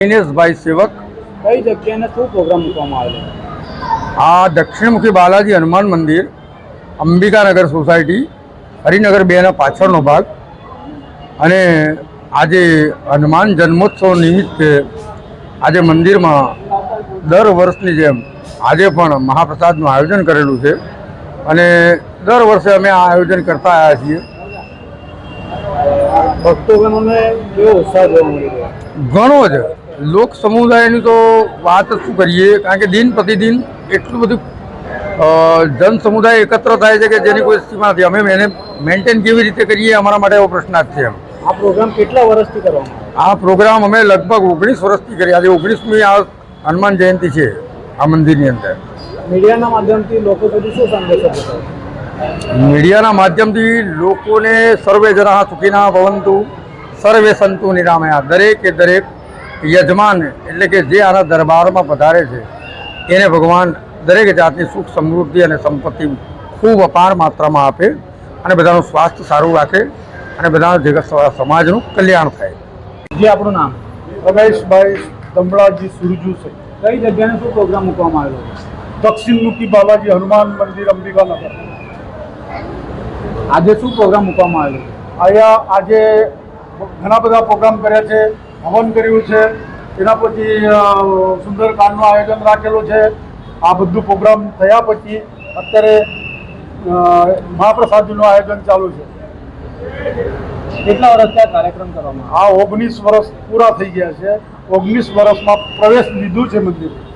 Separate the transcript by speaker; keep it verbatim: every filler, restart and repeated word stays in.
Speaker 1: દિનેશભાઈ સેવક
Speaker 2: કઈ જગ્યાએ શું પ્રોગ્રામ મૂકવામાં આવેલો?
Speaker 1: આ દક્ષિણમુખી બાલાજી હનુમાન મંદિર, અંબિકાનગર સોસાયટી, હરિનગર બેના પાછળનો ભાગ. અને આજે હનુમાન જન્મોત્સવ નિમિત્તે આજે મંદિરમાં દર વર્ષની જેમ આજે પણ મહાપ્રસાદનું આયોજન કરેલું છે અને દર વર્ષે અમે આ આયોજન કરતા આવ્યા છીએ.
Speaker 2: ભક્તોગણોને કેવો ઉત્સાહ જોવા મળી રહ્યો?
Speaker 1: ઘણો જ લોક સમુદાયની તો વાત શું કરીએ, કારણ કે દિન પ્રતિદિન એટલું બધું જન સમુદાય એકત્ર થાય છે કે જેની કોઈ સીમા નથી. અમે એને મેન્ટેન કેવી રીતે કરીએ અમારા માટે એવો પ્રશ્નાર્થ છે. એમ
Speaker 2: આ પ્રોગ્રામ કેટલા વર્ષથી કરવામાં આવે?
Speaker 1: આ પ્રોગ્રામ અમે લગભગ ઓગણીસ વર્ષથી કરીએ. આજે ઓગણીસમી આ હનુમાન જયંતિ છે આ મંદિરની અંદર.
Speaker 2: મીડિયાના માધ્યમથી લોકો સુધી શું સંદેશો પહોંચાડે?
Speaker 1: મીડિયાના માધ્યમથી લોકોને સર્વે જના સુખીના ભવંતુ સર્વે સંતુ નિરામયા, દરેકે દરેક યજમાન એટલે કે જે આના દરબારમાં પધારે છે એને ભગવાન દરેક જાતની સુખ સમૃદ્ધિ અને સંપત્તિ ખૂબ અપાર માત્રામાં આપે અને બધાનું સ્વાસ્થ્ય સારું રાખે અને બધા જગત સમાજનું કલ્યાણ થાય.
Speaker 2: જે આપણું નામ?
Speaker 3: રમેશભાઈ દમડાજી સુરજુ છે.
Speaker 2: કઈ જગ્યાએ શું પ્રોગ્રામ મૂકવામાં આવેલો?
Speaker 3: દક્ષિણમુખી બાલાજી હનુમાન મંદિર, અંબિકાનગર.
Speaker 2: આજે શું પ્રોગ્રામ મૂકવામાં આવેલો?
Speaker 3: અહીંયા આજે ઘણા બધા પ્રોગ્રામ કર્યા છે. હવન કર્યું છે, એના પછી સુંદરકાંડનું આયોજન રાખેલું છે. આ બધું પ્રોગ્રામ થયા પછી અત્યારે મહાપ્રસાદનું આયોજન ચાલુ છે.
Speaker 2: કેટલા વર્ષથી આ કાર્યક્રમ કરવામાં?
Speaker 3: આ ઓગણીસ વર્ષ પૂરા થઈ ગયા છે. ઓગણીસ વર્ષમાં પ્રવેશ લીધું છે મંદિર.